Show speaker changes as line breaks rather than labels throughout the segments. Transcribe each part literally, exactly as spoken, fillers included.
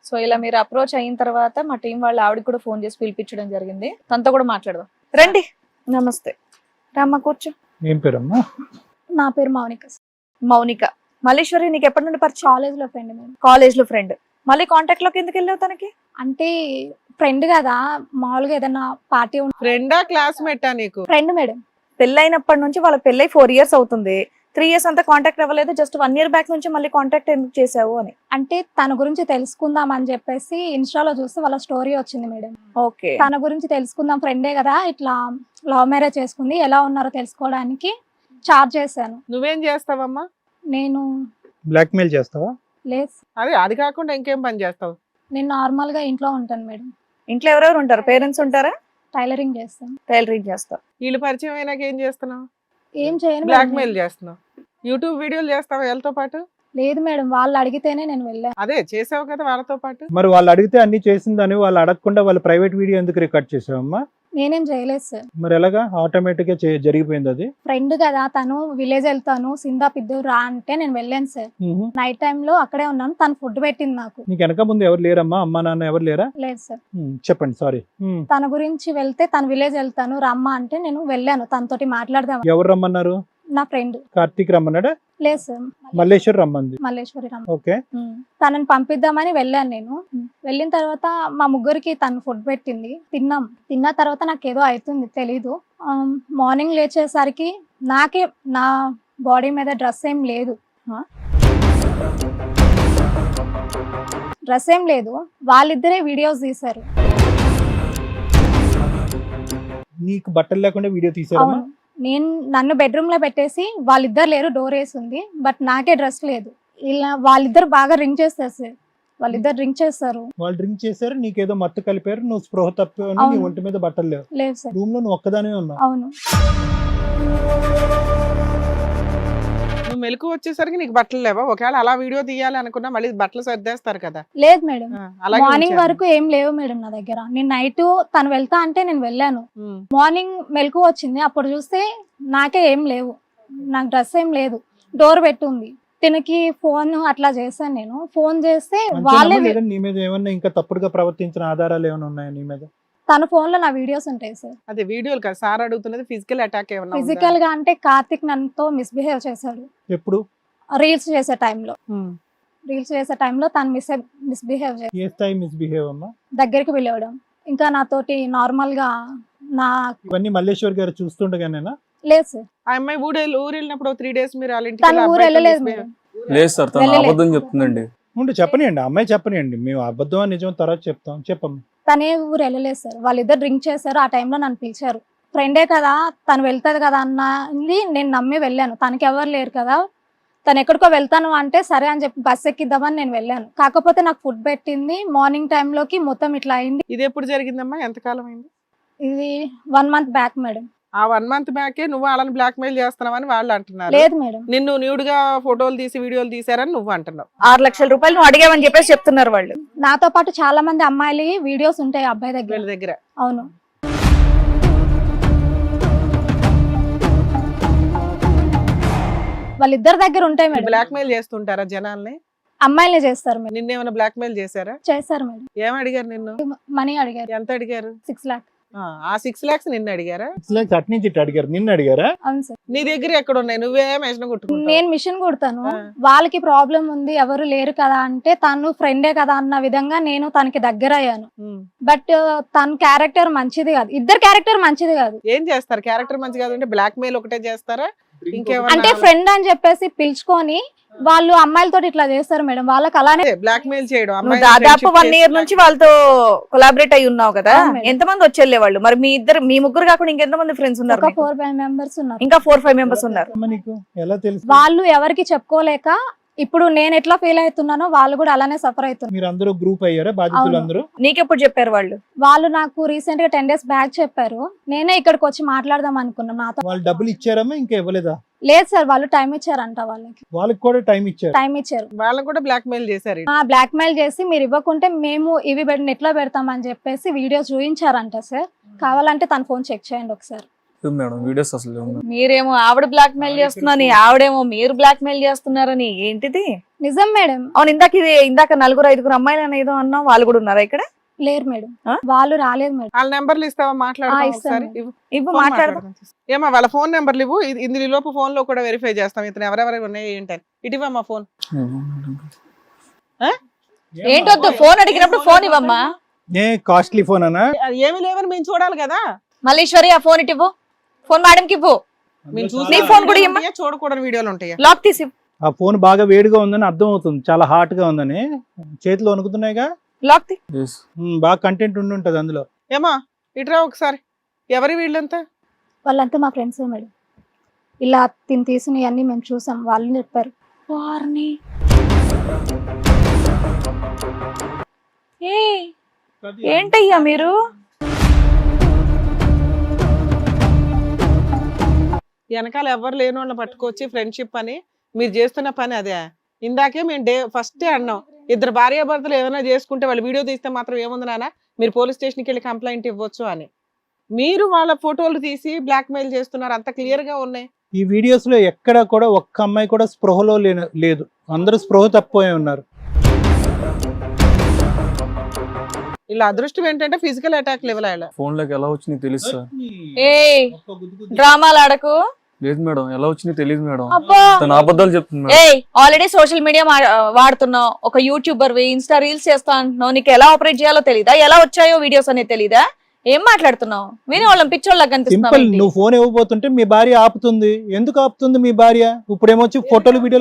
So ఇలా మీరు approach అయిన తర్వాత మా టీం వాళ్ళు ఆవిడకి కూడా ఫోన్ చేసి పిలిపించడం జరిగింది. తనతో కూడా మాట్లాడదాం. రండి. నమస్తే. రామ్మ కూర్చో.
ఏం పేరమ్మా?
నా పేరు మౌనిక.
మౌనిక. మల్లేశ్వరి నీకు ఎప్పటి నుండి పరిచయం?
కాలేజ్ లో ఫ్రెండ్ మేము.
కాలేజ్ లో ఫ్రెండ్. మళ్ళీ కాంటాక్ట్ లోకి ఎందుకు వెళ్ళావు తనకి?
అంటే ఫ్రెండ్ కదా, మామూలుగా ఏదైనా పార్టీ
ఫ్రెండా క్లాస్మేటా నీకు?
Friend madam.
పెళ్ళైనప్పటి నుంచి వాళ్ళ పెళ్ళై ఫోర్ ఇయర్స్ అవుతుంది. త్రీ ఇయర్స్ అంతా కాంటాక్ట్ అవ్వలేదు. జస్ట్ వన్ ఇయర్ బ్యాక్ నుంచి మళ్ళీ కాంటాక్ట్ ఎందుకు చేసావు అని.
అంటే తన గురించి తెలుసుకుందాం అని చెప్పేసి ఇన్స్టాలో చూస్తే వాళ్ళ స్టోరీ వచ్చింది మేడం.
ఓకే.
తన గురించి తెలుసుకుందాం, ఫ్రెండే కదా, ఇట్లా లవ్ మ్యారేజ్ చేసుకుంది, ఎలా ఉన్నారో తెలుసుకోవడానికి చార్జ్ చేశాను.
నువ్వేం చేస్తావమ్మా?
నేను
బ్లాక్ మెయిల్ చేస్తావా?
లేదు,
అదే అది కాకుండా ఇంకేం పని చేస్తావు?
నేను నార్మల్ గా ఇంట్లో ఉంటాను మేడం.
ఇంట్లో ఎవరెవరు ఉంటారు? పేరెంట్స్ ఉంటారా?
టైలరింగ్ చేస్తాను.
టైలరింగ్ చేస్తా.
వీళ్ళు పరిచయం అయినాక ఏం చేస్తున్నావు?
ఏం చేయను
బ్లాక్
మేడం.
మెయిల్ చేస్తున్నావు. యూట్యూబ్ వీడియోలు చేస్తావా వీళ్ళతో పాటు?
లేదు మేడం, వాళ్ళు అడిగితేనే నేను వెళ్ళాను.
అదే చేసావు కదా వాళ్ళతో పాటు.
మరి వాళ్ళు అడిగితే అన్ని చేసిందని వాళ్ళు అడగకుండా వాళ్ళ ప్రైవేట్ వీడియో ఎందుకు రికార్డ్ చేసావమ్మా?
నేనేం చేయలేదు సార్.
మరి ఎలాగా ఆటోమేటిక్ గా చే- జరిగిపోయింది అది?
ఫ్రెండ్ కదా, తను విలేజ్ వెళ్తాను సిందా పిద్దు రా అంటే నేను వెళ్ళాను సార్.
మ్హూ.
నైట్ టైమ్ లో అక్కడే ఉన్నాను, తను ఫుడ్ పెట్టింది నాకు.
నీకు వెనక ముందు ఎవరు లేరమ్మా? అమ్మా నాన్న ఎవరు లేరా?
లేదు సార్.
మ్, చెప్పండి. సారీ. మ్.
తన గురించి వెళ్తే తను విలేజ్ వెళ్తాను రమ్మా అంటే నేను వెళ్ళాను, తనతోటి మాట్లాడదాం.
ఎవరు రమ్మన్నారు?
నా ఫ్రెండ్.
కార్తీక్ రమ్మన్నాడా?
లేదు సార్,
మల్లేశ్వర్ రమ్మంది.
మల్లేశ్వరి రమ్మ.
ఓకే.
ఉమ్. తనని పంపిద్దామని వెళ్ళాను నేను. వెళ్ళిన తర్వాత మా ముగ్గురికి తను ఫుడ్ పెట్టింది, తిన్నాం. తిన్న తర్వాత నాకు ఏదో అవుతుంది తెలీదు. మార్నింగ్ లేచేసరికి నాకే నా బాడీ మీద డ్రెస్ ఏం లేదు. డ్రెస్ ఏం లేదు. వాళ్ళిద్దరే వీడియోస్ తీశారు.
నీకు బట్టలు లేకుండా వీడియో తీసారమ్మా?
అవును. నేను నన్ను బెడ్రూమ్ లో పెట్టేసి వాళ్ళిద్దరు లేరు, డోర్ వేసి ఉంది, బట్ నాకే డ్రెస్ లేదు. ఇలా వాళ్ళిద్దరు బాగా రింగ్ చేస్తారు సార్. వాళ్ళిద్దరు రింగ్ చేస్తారు.
వాళ్ళు డ్రింక్ చేశారు, నీకేదో మత్తు కలిపారు, నువ్వు స్పృహ తప్పావు, నీ
అవును.
ఒంటి మీద బట్టలు లేవు.
లేదు సార్.
రూమ్ లో నువ్వు ఒక్కదానే ఉన్నావు.
అవును.
నువ్వు మెలకు వచ్చేసరికి నీకు బట్టలు లేవా? ఒకవేళ అలా వీడియో తీయాలి అనుకున్నా మళ్ళీ బట్టలు సర్దేస్తారు కదా.
లేదు మేడం,
ఆ, అలాగే
మార్నింగ్
ఉంచాను.
వరకు ఏం లేవు మేడం నా దగ్గర. నేను నైట్ తను వెళ్తా అంటే నేను వెళ్ళాను.
ఉమ్.
మార్నింగ్ మెలకు వచ్చింది, అప్పుడు చూస్తే నాకే ఏం లేవు, నాకు డ్రెస్ ఏం లేదు, డోర్ పెట్టుంది. తినకి ఫోన్ అట్లా చేశాను నేను. ఫోన్ చేస్తే వాళ్ళే,
అంతేనమ్మా? లేదా నీ మీద ఏమన్నా ఇంకా తప్పుడుగా ప్రవర్తించిన ఆధారాలు ఏమైనా ఉన్నాయా నీ మీద?
తన ఫోన్ లో నా వీడియోస్ ఉంటాయి సార్.
అదే వీడియోలు కదా సార్ అడుగుతున్నది. ఫిజికల్ అటాక్ ఏమన్నా ఉందా?
ఫిజికల్ గా అంటే కార్తిక్ నన్నుతో మిస్బిహేవ్ చేశాడు
ఎప్పుడు?
రీల్స్ చేసే టైంలో.
ఉమ్.
రీల్స్ చేసే టైంలో తను మిస్ మిస్బిహేవ్ చేసి
ఏ స్థాయి మిస్బిహేవ్ అమ్మా?
దగ్గరికి పిలవడం, ఇంకా నాతోటి నార్మల్ గా నా.
ఇవన్నీ మల్లేశ్వర్ గారు చూస్తుండగానేనా?
లేదు సార్,
ఆ అమ్మాయి ఊరు ఊరు వెళ్ళినప్పుడు త్రీ డేస్ మీరు వాళ్ళ ఇంటికి
తను
వెళ్ళి
ఊరు
అబ్బాయితో
వెళ్ళలేదు
misbehave-
మేడం.
లేదు సార్, తను
వెళ్ళలేదు.
అబద్ధం చెప్తుందండి.
ఉండు, చెప్పనియండి, అమ్మాయి చెప్పనియండి, మేము అబద్ధం అని నిజం తర్వాత చెప్తాం. చెప్పమ్మా.
తనే ఊరు వెళ్ళలేదు సార్. వాళ్ళిద్దరు డ్రింక్ చేశారు, ఆ టైంలో నన్ను పిలిచారు. ఫ్రెండే కదా, తను వెళ్తుంది కదా అన్నది నేను నమ్మి వెళ్ళాను. తనకి ఎవరు లేరు కదా, తను ఎక్కడికో వెళ్తాను అంటే సరే అని చెప్పి బస్ ఎక్కిద్దామని నేను వెళ్ళాను. కాకపోతే నాకు ఫుడ్ పెట్టింది మార్నింగ్ టైంలోకి మొత్తం ఇట్లా అయింది.
ఇది ఎప్పుడు జరిగిందమ్మా? ఎంతకాలం అయింది?
ఇది వన్ మంత్ బ్యాక్ మేడం.
ఆ వన్ మంత్ బ్యాకే నువ్వు వాళ్ళని బ్లాక్ మెయిల్ చేస్తున్నావని వాళ్ళు అంటున్నారు.
లేదు మేడం,
నిన్ను న్యూడ్ గా ఫోటోలు తీసి వీడియోలు తీసారని నువ్వు అంటున్నావు.
ఆరు లక్షల రూపాయలు నువ్వు అడిగావని చెప్పేసి చెప్తున్నారు వాళ్ళు.
నాతో పాటు చాలా మంది అమ్మాయిలు వీడియోస్ ఉంటాయి అబ్బాయి దగ్గర.
వీళ్ళ దగ్గర
అవును. వాళ్ళిద్దరి దగ్గర ఉంటాయి మేడం.
బ్లాక్ మెయిల్ చేస్తుంటారా జనాల్ని?
అమ్మాయిలే చేస్తారు మేడం.
నిన్నేమైనా బ్లాక్ మెయిల్ చేశారా?
చేస్తారు మేడం.
ఏం అడిగారు నిన్ను?
మనీ అడిగారు,
ఎంత అడిగారు?
సిక్స్ లాక్.
ఆ, ఆ సిక్స్ లాక్స్ నిన్ను అడిగారా?
సిక్స్ లాక్స్ అటు నుంచి ఇటు అడిగారు, నిన్ను అడిగారా?
అవును సార్.
నీ దగ్గర ఎక్కడ ఉన్నాయి? నువ్వే మెషిన్ కొట్టుకుంటావు.
నేను మిషన్ కుడతాను.
ఆ.
వాళ్ళకి ప్రాబ్లం ఉంది, ఎవరు లేరు కదా అంటే తను ఫ్రెండే కదా అన్న విధంగా నేను తనకి దగ్గర అయ్యాను.
ఉమ్.
బట్ తన క్యారెక్టర్ మంచిది కాదు, ఇద్దరు క్యారెక్టర్ మంచిది కాదు.
ఏం చేస్తారు? క్యారెక్టర్ మంచి కాదంటే బ్లాక్ మెయిల్ ఒకటే చేస్తారా? ఇంకేమన్నా?
అంటే ఫ్రెండ్ అని చెప్పేసి పిలుచుకొని వాళ్ళు అమ్మాయిలతో ఇట్లా చేస్తారు మేడం. వాళ్ళకి అలానే
బ్లాక్ మెయిల్ చేయడం.
నువ్వు
అమ్మాయిని
దాదాపు
friendship
వన్ ఇయర్
చేసి
నుంచి వాళ్ళతో కొలాబరేట్ అయి ఉన్నావు కదా.
అవును మేడం.
ఎంతమంది వచ్చి వెళ్ళేవాళ్ళు? మరి మీ ఇద్దరు, మీ ముగ్గురు కాకుండా ఇంకెంతమంది ఫ్రెండ్స్ ఉన్నారు
ఒక
మీకు?
ఫోర్ ఫైవ్ మెంబర్స్ ఉన్నారు.
ఇంకా ఫోర్ ఫైవ్ మెంబర్స్ ఉన్నారు.
అమ్మా, నీకు ఎలా తెలుసు?
వాళ్ళు ఎవరికి చెప్పుకోలేక ఇప్పుడు నేను ఎట్లా ఫీల్ అవుతున్నానో వాళ్ళు కూడా అలానే సఫర్ అవుతున్నారు.
మీరు అందరూ గ్రూప్ అయ్యారా బాధితులు
అవును.
అందరూ?
నీకెప్పుడు చెప్పారు వాళ్ళు?
వాళ్ళు నాకు రీసెంట్ గా టెన్ డేస్ బ్యాక్ చెప్పారు. నేనే ఇక్కడికి వచ్చి మాట్లాడదాం అనుకున్నాను. నాతో
వాళ్ళు డబ్బులు ఇచ్చారమ్మా? ఇంకా ఇవ్వలేదా?
లేదు సార్, వాళ్ళు టైం ఇచ్చారంట. వాళ్ళకి
వాళ్ళకి కూడా టైం ఇచ్చారు.
టైం ఇచ్చారు.
వాళ్ళని కూడా బ్లాక్ మెయిల్ చేశారు.
ఆ బ్లాక్ మెయిల్ చేసి మీరు ఇవ్వకుంటే మేము ఇవి నెట్ లో పెడతామని చెప్పేసి వీడియోస్ చూపించారంట సార్. కావాలంటే తన ఫోన్ చెక్ చేయండి ఒకసారి.
లేవు మేడం వీడియోస్ అసలు లేవు మేడం.
మీరేమో ఆవిడ బ్లాక్ మెయిల్ చేస్తున్నారని, ఆవిడేమో మీరు బ్లాక్ మెయిల్ చేస్తున్నారని, ఏంటిది?
నిజం మేడం.
అవును, ఇందాక ఇది ఇందాక నలుగురు ఐదుగురు అమ్మాయిలు అని ఏదో అన్నావు, వాళ్ళు కూడా ఉన్నారా ఇక్కడ?
లేరు మేడం,
ఆ?
వాళ్ళు రాలేదు మేడం.
వాళ్ళ నెంబర్లు ఇస్తావా?
ఆ,
మాట్లాడదాం
ఇస్తాను
ఒకసారి.
మేడం.
ఇవ్వు.
ఇవ్వు,
ఫోన్
మాట్లాడదాం.
మాట్లాడదాం. ఏమా వాళ్ళ ఫోన్ నెంబర్లు ఇవ్వు. ఇది- ఇందులో లోపు ఫోన్ లో కూడా వెరిఫై చేస్తాం ఇతను ఎవరెవరు ఉన్నాయి ఏంటని. ఇటువమ్మా ఫోన్.
ఏంటొద్దు, ఫోన్ అడిగినప్పుడు ఫోన్ ఇవ్వమ్మా.
ఏ కాస్ట్లీ ఫోన్ అనా?
అది ఏమీ లేవని మేము చూడాలి కదా.
మల్లీశ్వరి, ఆ ఫోన్ ఇటు ఇవ్వు. ఫోన్ మేడంకి ఇవ్వు.
మేము చూసి
నీ ఫోన్ కూడా ఇమ్మా.
చూడకూడని వీడియోలు ఉంటాయా?
లాక్ తీసి ఇవ్వు.
ఆ ఫోన్ బాగా వేడిగా ఉందని అర్థం అవుతుంది, చాలా హాట్ గా ఉందని. చేతిలో వణుకుతున్నాయిగా.
లాక్ తీ.
Yes.
ఉమ్, బాగా కంటెంట్ ఉండి ఉంటది అందులో.
ఏమా ఇటురా ఒకసారి. ఎవరి వీళ్ళంతా?
వాళ్ళంతా మా ఫ్రెండ్స్ మేడం. ఇలా తిని తీసినవన్నీ మేము చూసాం, వాళ్ళు చెప్పారు.
వారిని ఏ ఏంటయ్యా మీరు?
వెనకాల ఎవరు లేని వాళ్ళని పట్టుకొచ్చి ఫ్రెండ్షిప్ అని మీరు చేస్తున్న పని అదే. ఇందాకే మేము డే ఫస్ట్ అన్నాం, ఇద్దరు భార్యాభర్తలు ఏమైనా చేసుకుంటే వాళ్ళు వీడియో తీస్తే మాత్రం ఏముంది నాన్న, మీరు పోలీస్ స్టేషన్కి వెళ్ళి కంప్లైంట్ ఇవ్వచ్చు అని. మీరు వాళ్ళ ఫోటోలు తీసి బ్లాక్ మెయిల్ చేస్తున్నారు, అంత క్లియర్ గా ఉన్నాయి.
ఈ వీడియోస్ లో ఎక్కడ కూడా ఒక్క అమ్మాయి కూడా స్పృహలో లేన- లేదు, అందరూ స్పృహ తప్పిపోయి ఉన్నారు.
ఇలా అదృష్టం ఏంటంటే ఫిజికల్ అటాక్ లెవెల్ అయ్యాలి.
ఫోన్ లోకి ఎలా వచ్చినాయి తెలుసు సార్.
ఏ డ్రామాలు ఆడకు.
లేదు మేడం, ఎలా వచ్చినాయి తెలియదు మేడం.
అబ్బా,
తన అబద్ధాలు చెప్తుంది మేడం.
ఏ ఆల్రెడీ సోషల్ మీడియా వాడుతున్నావు, ఒక యూట్యూబర్ ఇన్స్టా రీల్స్ చేస్తా అంటున్నావు, నీకు ఎలా ఆపరేట్ చేయాలో తెలీదా? ఎలా వచ్చాయో వీడియోస్ అనేది తెలీదా? ఏం మాట్లాడుతున్నావు? విని వాళ్ళని పిచ్చోళ్ళకి
సింపుల్,
కనిపిస్తున్నావు.
నువ్వు ఫోన్ ఇవ్వబోతుంటే మీ భార్య ఆపుతుంది. ఎందుకు ఆపుతుంది మీ భార్య? ఇప్పుడేమొచ్చి ఫోటోలు వీడియోలు.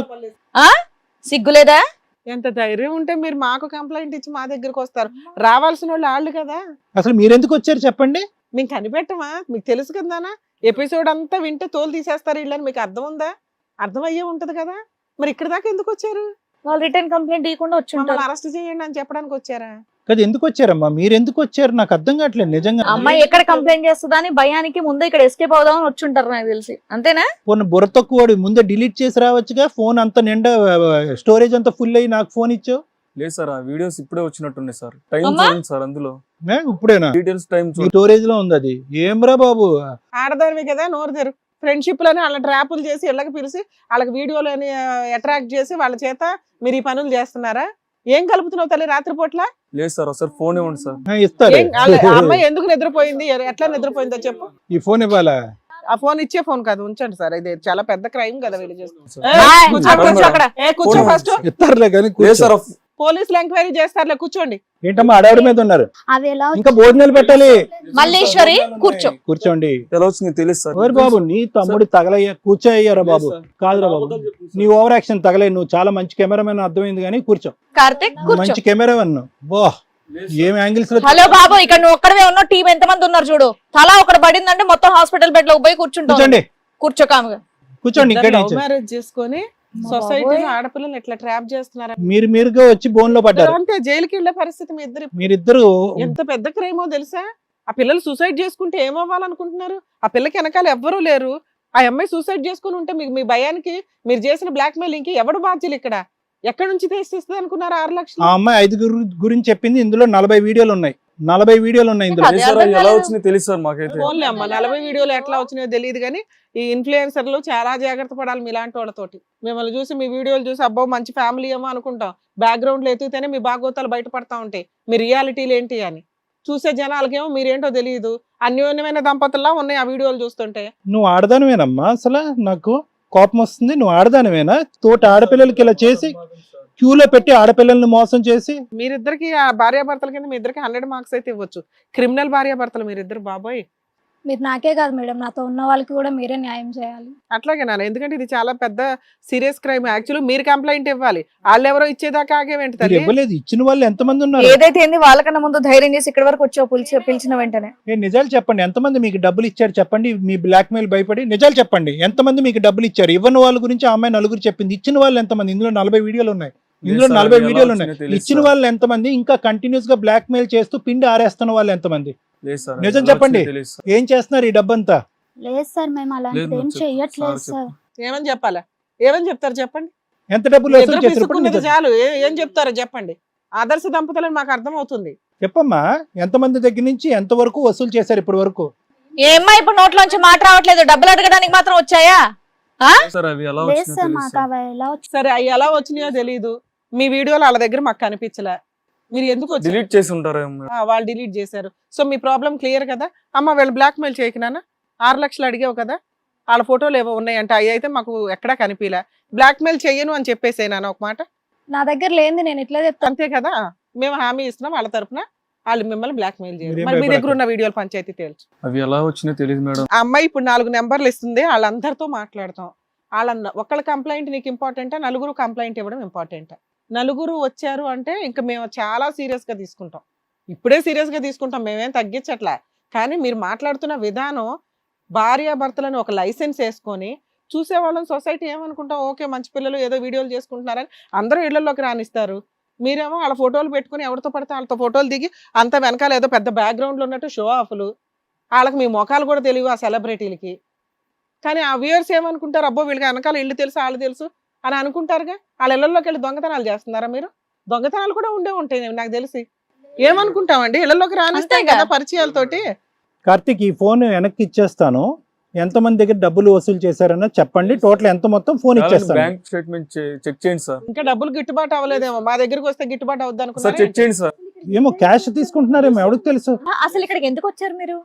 సిగ్గులేదా?
ఎంత ధైర్యం ఉంటే మీరు మాకు కంప్లైంట్ ఇచ్చి మా దగ్గరకు వస్తారు? రావాల్సిన వాళ్ళు వాళ్ళు కదా.
అసలు మీరెందుకు వచ్చారు చెప్పండి?
మేము కనిపెట్టమా? మీకు తెలుసు కదానా, ఎపిసోడ్ అంతా వింటే తోలు తీసేస్తారు వీళ్ళని. మీకు అర్థం ఉందా? అర్థం అయ్యే ఉంటది కదా. మరి ఇక్కడ దాకా ఎందుకు వచ్చారు?
వాళ్ళు రిటర్న్ కంప్లైంట్ ఇవ్వకుండా వచ్చి
మమ్మల్ని
ఉంటారు.
అరెస్ట్ చేయండి అని చెప్పడానికి వచ్చారా?
కదా ఎందుకు వచ్చారమ్మా? మీరు ఎందుకు వచ్చారు నాకు అర్థం కావట్లేదు నిజంగా.
అమ్మాయి ఎక్కడ కంప్లైంట్ చేస్తుందా అని భయానికి ముందే ఇక్కడ ఎస్కేప్ అవుదామని వచ్చి ఉంటారు నాకు తెలిసి. అంతేనా?
ఫోన్ బుర్ర తక్కువ ముందే డిలీట్ చేసి రావచ్చుగా. ఫోన్ అంతా నిండా స్టోరేజ్ అంతా ఫుల్ అయ్యి నాకు ఫోన్ ఇచ్చావు.
లేదు సార్, ఆ వీడియోస్ ఇప్పుడే వచ్చినట్టున్నాయి సార్. టైం
అమ్మా?
చూడండి సార్, అందులో
ఏ, ఇప్పుడేనా?
డీటెయిల్స్ టైం
మీ
చూడండి.
స్టోరేజ్ లో ఉంది అది. ఏమ్రా బాబు,
ఆడదానివి కదా, నోరు తెరు. ఫ్రెండ్షిప్ లని వాళ్ళ ట్రాపులు చేసి ఇళ్ళకి పిలిచి వాళ్ళకి వీడియోలని అట్రాక్ట్ చేసి వాళ్ళ చేత మీరు ఈ పనులు చేస్తున్నారా? ఏం కలుపుతున్నావు తల్లి రాత్రిపూట్ల?
లేదు సార్, ఒకసారి ఫోన్ ఇవ్వండి సార్.
ఆ, ఇస్తారు.
ఏం- వాళ్ళ- ఆ అమ్మాయి ఎందుకు నిద్రపోయింది, ఎ- ఎట్లా నిద్రపోయిందో చెప్పు.
ఈ ఫోన్ ఇవ్వాలా?
ఆ ఫోన్ ఇచ్చే ఫోన్ కాదు, ఉంచండి సార్. ఇది చాలా పెద్ద క్రైమ్ కదా వీళ్ళు చేస్తున్నారు.
సార్.
ఏ,
ఆయ్,
కూర్చో,
అక్కడ కూర్చో అక్కడ.
ఏ కూర్చో
ఫోన్
ఫస్ట్.
ఇస్తారులే కానీ
లేదు సార్, ఆ
పోలీసులు ఎంక్వైరీ చేస్తారులే, కూర్చోండి.
ఏంటమ్మా అడవిడ మీద ఉన్నారు?
అవి ఎలా
ఇంకా భోజనాలు పెట్టాలి.
మల్లీశ్వరి కూర్చో.
కూర్చోండి.
ఎలా వచ్చింది తెలియదు సార్.
ఓరి బాబు, నీ తమ్ముడు తగలయ్యా. కూర్చోయ్యారా బాబు?
లేదు సార్.
కాదురా బాబు,
అబద్ధాలు చెప్తుంది
నీ
సార్.
Over action తగలే. నువ్వు చాలా మంచి కెమెరామెన్ అర్థమైంది కానీ కూర్చో.
కార్తిక్ కూర్చో.
మంచి కెమెరా అన్నావు. బా,
లేదు
ఏం
సార్.
యాంగిల్స్ లో.
హలో బాబు, ఇక్కడ నువ్వు ఒక్కడవే ఉన్నావు, టీం ఎంత మంది ఉన్నారు చూడు. తలా ఒకటి పడిందంటే మొత్తం హాస్పిటల్ బెడ్ లో పోయి కూర్చుంటావు.
కూర్చోండి,
కూర్చో కాముగా.
కూర్చోండి. ఇక్కడ
లవ్
నుంచి
మ్యారేజ్ చేసుకొని సొసైటీలో ఆడపిల్లలు ఎట్లా ట్రాప్ చేస్తున్నారా?
మీరు మీరుగా వచ్చి బోన్ లో పడ్డారు.
అంటే జైలుకి వెళ్ళే పరిస్థితి మీ ఇద్దరు.
మీరిద్దరు
ఎంత పెద్ద క్రైమో తెలుసా? ఆ పిల్లలు సూసైడ్ చేసుకుంటే ఏమవ్వాలనుకుంటున్నారు? ఆ పిల్లకి వెనకాల ఎవ్వరూ లేరు. ఆ అమ్మాయి సూసైడ్ చేసుకుని ఉంటే మీకు మీ భయానికి మీరు చేసిన బ్లాక్ మెయిలింగ్ కి ఎవడు బాధ్యులు? ఇక్కడ ఎక్కడి నుంచి తెచ్చిస్తుంది అనుకున్నారు ఆరు
ఆ
లక్షలు?
అమ్మాయి ఐదుగురు గురించి చెప్పింది. ఇందులో నలభై వీడియోలు ఉన్నాయి. నలభై వీడియోలు ఉన్నాయి ఇందులో.
అదే
లేదు సార్,
అర్థం
ఎలా
కాలేదు.
వచ్చినాయి తెలియదు సార్ మాకైతే.
ఫోన్లే అమ్మ, నలభై వీడియోలు ఎట్లా వచ్చినాయో తెలియదు కానీ ఈ ఇన్ఫ్లుయెన్సర్లు చాలా జాగ్రత్త పడాలి మీలాంటి వాళ్ళతోటి. మిమ్మల్ని చూసి మీ వీడియోలు చూసి అబ్బో మంచి ఫ్యామిలీ ఏమో అనుకుంటాం. బ్యాక్గ్రౌండ్ లో ఎత్తితేనే మీ భాగోతాలు బయటపడతా ఉంటాయి, మీ రియాలిటీలు ఏంటి అని. చూసే జనాలకేమో మీరేంటో తెలియదు. అన్యోన్యమైన దంపతుల్లా ఉన్నాయి ఆ వీడియోలు చూస్తుంటే.
నువ్వు ఆడదానివేనమ్మా? అసలు నాకు కోపం వస్తుంది. నువ్వు ఆడదానివేనా? తోటి ఆడపిల్లలకి ఇలా చేసి క్యూలో పెట్టి ఆడపిల్లల్ని మోసం చేసి.
మీరిద్దరికి ఆ భార్యాభర్తల కింద మీ ఇద్దరికి హండ్రెడ్ మార్క్స్ అయితే ఇవ్వచ్చు. క్రిమినల్ భార్యాభర్తలు మీరిద్దరు బాబోయ్.
మీరు నాకే కాదు మేడం, నాతో ఉన్న వాళ్ళకి కూడా మీరే న్యాయం చేయాలి.
అట్లాగే నాన్న, ఎందుకంటే ఇది చాలా పెద్ద సీరియస్ క్రైమ్. యాక్చువల్లీ మీరు కంప్లైంట్ ఇవ్వాలి, వాళ్ళు ఎవరో ఇచ్చేదాకా ఆగేవేంటి
మీరు
తల్లి?
ఇవ్వలేదు. ఇచ్చిన వాళ్ళు ఎంతమంది ఉన్నారు?
ఏదైతే ఏంది వాళ్ళకన్నా ముందు ధైర్యం చేసి ఇక్కడ వరకు వచ్చావు, పిలిచి పిలిచిన వెంటనే.
ఏ నిజాలు చెప్పండి. ఎంతమంది మీకు డబ్బులు ఇచ్చారు చెప్పండి. మీ బ్లాక్ మెయిల్ భయపడి నిజాలు చెప్పండి. ఎంతమంది మీకు డబ్బులు ఇచ్చారు? ఇవ్వని వాళ్ళ గురించి ఆ అమ్మాయి నలుగురు చెప్పింది. ఇచ్చిన వాళ్ళు ఎంతమంది? ఇందులో నలభై వీడియోలు ఉన్నాయి. ఇందులో
లేదు సార్,
నలభై
ఎలా
వీడియోలు
వచ్చినాయో
ఉన్నాయి.
తెలియదు
ఇచ్చిన
సార్.
వాళ్ళు ఎంతమంది? ఇంకా కంటిన్యూస్ గా బ్లాక్ మెయిల్ చేస్తూ పిండి ఆరేస్తున్న వాళ్ళు ఎంతమంది?
లేదు సార్,
నిజం
ఎలా
చెప్పండి.
వచ్చినాయో తెలియదు సార్.
ఏం చేస్తున్నారు ఈ డబ్బంతా?
లేదు సార్, మేము
లేదు
అలాంటిది ఏం
మేడం, చెప్పు.
చెయ్యట్లేదు
సార్
సార్.
ఏమని చెప్పాలా? ఏమని చెప్తారు చెప్పండి?
ఎంత డబ్బులు
మీ
వసూలు
ఇద్దరు
చేశారు? ఇప్పుడు
పిసుక్కున్నది
నిజం
చాలు. ఏ- ఏం చెప్తారో చెప్పండి. ఆదర్శ దంపతులని మాకు అర్థం అవుతుంది.
చెప్పమ్మా. ఎంతమంది దగ్గర నుంచి ఎంత వరకు వసూలు చేశారు ఇప్పటి వరకు?
ఏమ్మా ఇప్పుడు నోట్లోంచి మాట రావట్లేదు, డబ్బులు అడగడానికి మాత్రం వచ్చాయా? ఆ?
సార్ అవి ఎలా
లేదు
వచ్చినాయో
సార్
తెలియదు
మాకు
సార్.
అవి ఎలా వచ్చి
సరే అవి ఎలా వచ్చినాయో తెలియదు, మీ వీడియోలు వాళ్ళ దగ్గర మాకు కనిపించలే, మీరు ఎందుకు వచ్చారు?
డిలీట్ చేసి ఉంటారేమో.
ఆ, వాళ్ళు డిలీట్ చేశారు. సో మీ ప్రాబ్లం క్లియర్ కదా అమ్మ. వీళ్ళు బ్లాక్ మెయిల్ చేయకున్నానా? ఆరు లక్షలు అడిగావు కదా, వాళ్ళ ఫోటోలు ఏవో ఉన్నాయంట, అవి అయితే మాకు ఎక్కడా కనిపించలే. బ్లాక్ మెయిల్ చెయ్యను అని చెప్పేసేనా ఒక మాట?
నా దగ్గర లేనిది నేను ఇట్లా చెప్తాను.
అంతే కదా, మేము హామీ ఇస్తున్నాం వాళ్ళ తరపున, వాళ్ళు మిమ్మల్ని బ్లాక్ మెయిల్ చేయరు.
మీరేం
మరి మీ దగ్గర
భయపడకండి.
ఉన్న వీడియోలు పంచాయతీ తేల్చు.
అవి ఎలా వచ్చినాయో తెలియదు మేడం.
ఆ అమ్మాయి ఇప్పుడు నాలుగు నెంబర్లు ఇస్తుంది, వాళ్ళందరితో మాట్లాడతాం. వాళ్ళ ఒకళ్ళ కంప్లైంట్ నీకు ఇంపార్టెంటా, నలుగురు కంప్లైంట్ ఇవ్వడం ఇంపార్టెంటా? నలుగురు వచ్చారు అంటే ఇంకా మేము చాలా సీరియస్ గా తీసుకుంటాం, ఇప్పుడే సీరియస్ గా తీసుకుంటాం, మేమేం తగ్గించట్లా. కానీ మీరు మాట్లాడుతున్న విధానం, భార్యాభర్తలను ఒక లైసెన్స్ వేసుకొని చూసేవాళ్ళని సొసైటీ ఏమనుకుంటాం, ఓకే మంచి పిల్లలు ఏదో వీడియోలు చేసుకుంటున్నారని అందరూ ఇళ్లలోకి రానిస్తారు. మీరేమో వాళ్ళ ఫోటోలు పెట్టుకుని ఎవరితో పడితే వాళ్ళతో ఫోటోలు దిగి అంత వెనకాల ఏదో పెద్ద బ్యాక్గ్రౌండ్లో ఉన్నట్టు షో ఆఫ్లు. వాళ్ళకి మీ మొఖాలు కూడా తెలియవు ఆ సెలబ్రిటీలకి. కానీ ఆ వ్యూయర్స్ ఏమనుకుంటారు, అబ్బో వీళ్ళకి వెనకాల ఇల్లు తెలుసు వాళ్ళు తెలుసు అని అనుకుంటారుగా. వాళ్ళ ఇళ్లలోకి వెళ్ళి దొంగతనాలు చేస్తున్నారా మీరు? దొంగతనాలు కూడా ఉండే ఉంటాయి నాకు తెలిసి. ఏమనుకుంటామండి, ఇళ్లలోకి రానిస్తాయి
అంతేగా.
కదా పరిచయాలతోటి.
కార్తీక్ ఈ ఫోన్ వెనక్కి ఇచ్చేస్తాను, ఎంతమంది దగ్గర డబ్బులు వసూలు చేశారన్న చెప్పండి, టోటల్ ఎంత మొత్తం ఫోన్ ఇచ్చేస్తాను.
బ్యాంక్ స్టేట్మెంట్ చెక్ చేయండి సార్.
ఇంకా డబ్బులు గిట్టుబాటు అవ్వలేదేమో, మా దగ్గరికి వస్తే గిట్టుబాటు అవుద్ది
సార్ చెక్
అనుకున్నా.
చేయండి సార్.
ఏమో క్యాష్ తీసుకుంటున్నారేమో ఎవరికి తెలుసు.
ఆ, అసలు ఇక్కడికి ఎందుకు వచ్చారు మీరు?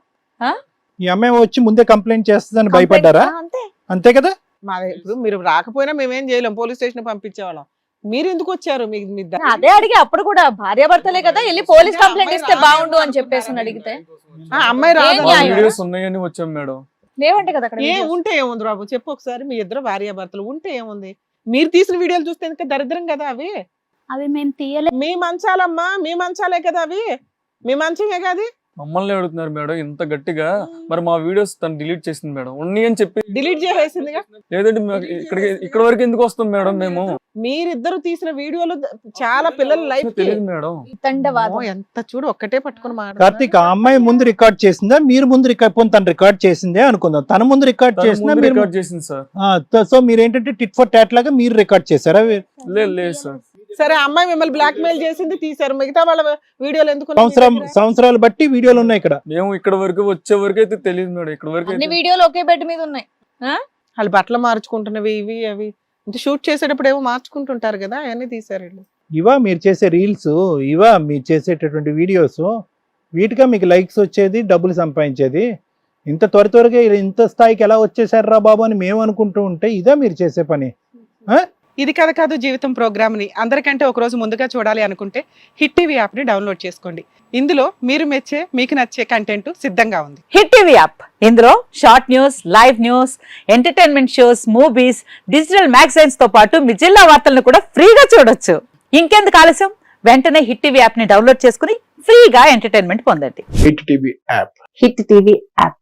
ఈ అమ్మాయి వచ్చి ముందే కంప్లైంట్ చేస్తుందని భయపడ్డారా?
ఆ, అంతే.
అంతే కదా.
మా దగ్గర ఇప్పుడు మీరు రాకపోయినా మేమేం చేయలేం, పోలీస్ స్టేషన్ పంపించేవాళ్ళం. మీరు ఎందుకు వచ్చారు? మీ మీ ద-
అదే అడిగి అప్పుడు కూడా భార్యాభర్తలే కదా, వెళ్ళి పోలీస్ కంప్లైంట్ ఇస్తే బాగుండు అని చెప్పేసి అని అడిగితే
ఆ, అమ్మాయి రాదు.
ఏం
మా
న్యాయం?
వీడియోస్ ఉన్నాయని వచ్చాం మేడం.
లేవంటే కదా అక్కడ
ఏ
videos.
ఉంటే ఏముంది బాబు చెప్పు ఒకసారి. మీ ఇద్దరు భార్యాభర్తలు ఉంటే ఏముంది? మీరు తీసిన వీడియోలు చూస్తే ఇంకా దరిద్రం కదా అవి.
అవి మేము తీయలేదు.
మీ మంచాలమ్మా, మీ మంచాలే కదా అవి, మీ మంచమే కదా అది.
మమ్మల్ని అడుగుతున్నారు మేడం ఇంత గట్టిగా. మరి మా వీడియోస్ తను డిలీట్ చేసింది మేడం, ఉన్నాయి అని చెప్పి.
డిలీట్ చేసేసిందిగా.
లేదంటే మాకు ఇక్కడికి ఇక్కడ వరకు ఎందుకు వస్తాం మేడం మేము?
మీరిద్దరు తీసిన వీడియోలు ద- చాలా పిల్లల లైఫ్
తెలియదు మేడం.
తండవాదం.
ఎంత చూడు ఒక్కటే పట్టుకుని
కార్తీక్ ఆ అమ్మాయి ముందు రికార్డ్ చేసిందా, మీరు ముందు రికార్డ్ పోనీ తను రికార్డ్ చేసిందే అనుకుందాం, తన ముందు రికార్డ్
తను
చేసిందా
ముందు
మీరు?
రికార్డ్ చేసింది సార్.
ఆ, తో- సో మీరు ఏంటంటే టిట్ ఫర్ టాట్ లాగా మీరు రికార్డ్ చేశారా?
లేదు లేదు సార్.
సరే ఆ అమ్మాయి మిమ్మల్ని బ్లాక్ మెయిల్ చేసింది, తీశారు. మిగతా వాళ్ళ వీడియోలు ఎందుకు ఉన్నాయి మీ
సంవత్సరం
దగ్గర?
సంవత్సరాలు బట్టి వీడియోలు ఉన్నాయి ఇక్కడ.
మేము ఇక్కడ వరకు వచ్చే వరకు అయితే తెలియదు మేడం. ఇక్కడ వరకు
అన్ని
అయితే
వీడియోలు ఒకే బెడ్ మీద ఉన్నాయి.
వాళ్ళు బట్టలు మార్చుకుంటున్నవి ఇవి అవి అంటే షూట్ చేసేటప్పుడు ఏమో మార్చుకుంటుంటారు కదా, అవన్నీ తీసారు వీళ్ళు.
ఇవా మీరు చేసే రీల్స్, ఇవా మీరు చేసేటటువంటి వీడియోస్, వీటిగా మీకు లైక్స్ వచ్చేది, డబ్బులు సంపాదించేది. ఇంత త్వర త్వరగా ఇంత స్థాయికి ఎలా వచ్చేసారా బాబు అని మేము అనుకుంటూ ఉంటే ఇదా మీరు చేసే పని? ఆ?
ఇది కథ కాదు జీవితం ప్రోగ్రామ్ ని అందరికంటే ఒక రోజు ముందుగా చూడాలి అనుకుంటే హిట్ టీవీ యాప్ ని డౌన్లోడ్ చేసుకోండి. ఇందులో మీరు మెచ్చే మీకు నచ్చే కంటెంట్ సిద్ధంగా ఉంది.
హిట్ టీవీ యాప్ ఇందులో short news, live news, entertainment shows, movies, digital magazines తో పాటు మీ జిల్లా వార్తలను కూడా ఫ్రీగా చూడొచ్చు. ఇంకెందుకు ఆలస్యం, వెంటనే హిట్ టీవీ యాప్ ని డౌన్లోడ్ చేసుకుని ఫ్రీగా ఎంటర్టైన్మెంట్ పొందండి.
Hit TV app
hit TV app.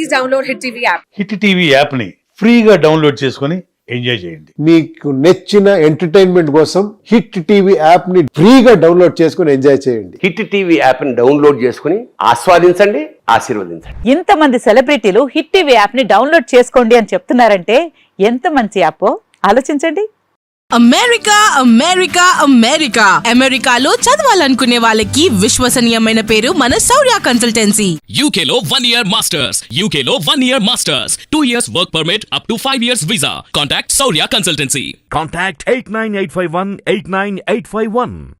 Hit TV యాప్ని ఫ్రీగా డౌన్లోడ్ చేసుకొని ఎంజాయ్ చేయండి.
మీకు నచ్చిన ఎంటర్టైన్మెంట్ కోసం హిట్ టీవీ యాప్ ని ఫ్రీగా డౌన్లోడ్ చేసుకొని ఎంజాయ్ చేయండి.
హిట్ టీవీ యాప్ ని డౌన్లోడ్ చేసుకుని ఆస్వాదించండి, ఆశీర్వదించండి.
ఇంతమంది సెలబ్రిటీలు హిట్ టీవీ యాప్ ని డౌన్లోడ్ చేసుకోండి అని చెప్తున్నారంటే ఎంత మంచి యాప్ ఆలోచించండి.
అమెరికా అమెరికా అమెరికా అమెరికాలో చదవాలనుకునే వాళ్ళకి విశ్వసనీయమైన పేరు మన శౌర్య కన్సల్టెన్సీ.
U K లో one year masters, U K లో one year masters, two years work permit up to five years visa. Contact Saurya Consultancy.
Contact eight nine eight five one eight nine eight five one.